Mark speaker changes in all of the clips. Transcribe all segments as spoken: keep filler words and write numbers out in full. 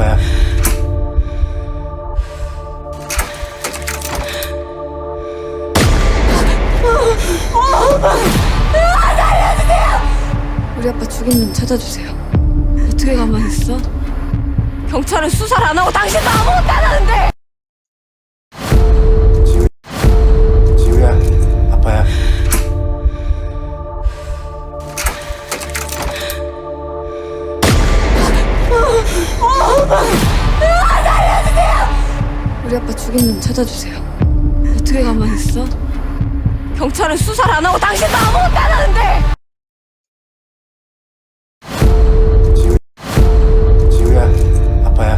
Speaker 1: 아빠야.
Speaker 2: 우리 아빠 죽인 놈 찾아주세요. 어떻게 가만히 있어? 경찰은 수사를 안 하고 당신도 아무것도 안 하는데!
Speaker 1: 지우, 지우야, 아빠야.
Speaker 2: 우리 아빠 죽인 놈 찾아주세요. 어떻게 가만히 있어? 경찰은 수사를 안 하고 당신도 아무것도 안 하는데!
Speaker 1: 지우, 지우야, 아빠야.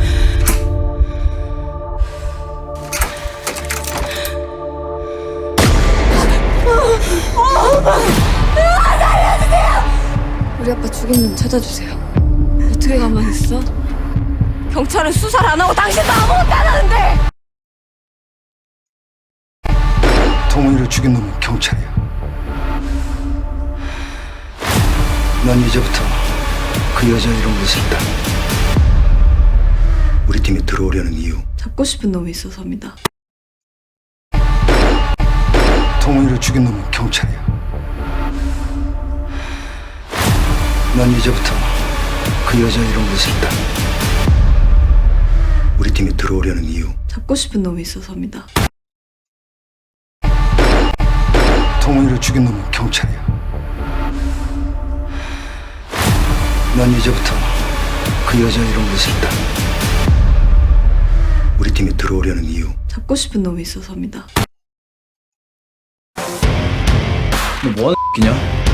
Speaker 2: 우리 아빠 죽인 놈 찾아주세요. 어떻게 가만히 있어? 경찰은 수사를 안 하고 당신도 아무것도 안 하는데!
Speaker 1: 동훈이를 죽인 놈은 경찰이야. 난 이제부터 그 여자 이름으로 쓴다. 우리 팀에 들어오려는 이유.
Speaker 2: 잡고 싶은 놈이 있어서입니다.
Speaker 1: 동훈이를 죽인 놈은 경찰이야. 난 이제부터 그 여자 이름으로 쓴다. 우리 팀에 들어오려는 이유.
Speaker 2: 잡고 싶은 놈이 있어서입니다.
Speaker 1: 동훈이를 죽인 놈은 경찰이야. 난 이제부터 그 여자 이름으로 쓴다. 우리 팀에 들어오려는 이유.
Speaker 2: 잡고 싶은 놈이 있어서입니다.
Speaker 3: 너 뭐하는 X냐?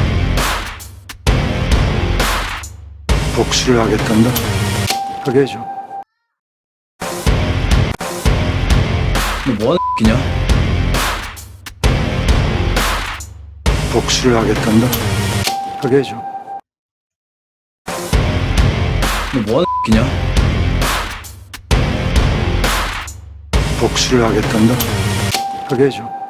Speaker 1: 복수를 하겠단다. 하게 해줘.
Speaker 3: 너 뭐하는 X냐?
Speaker 1: 복수를 하겠단다. 하게 해줘.
Speaker 3: 너 뭐하는 X냐?
Speaker 1: 복수를 하겠단다. 하게 해줘.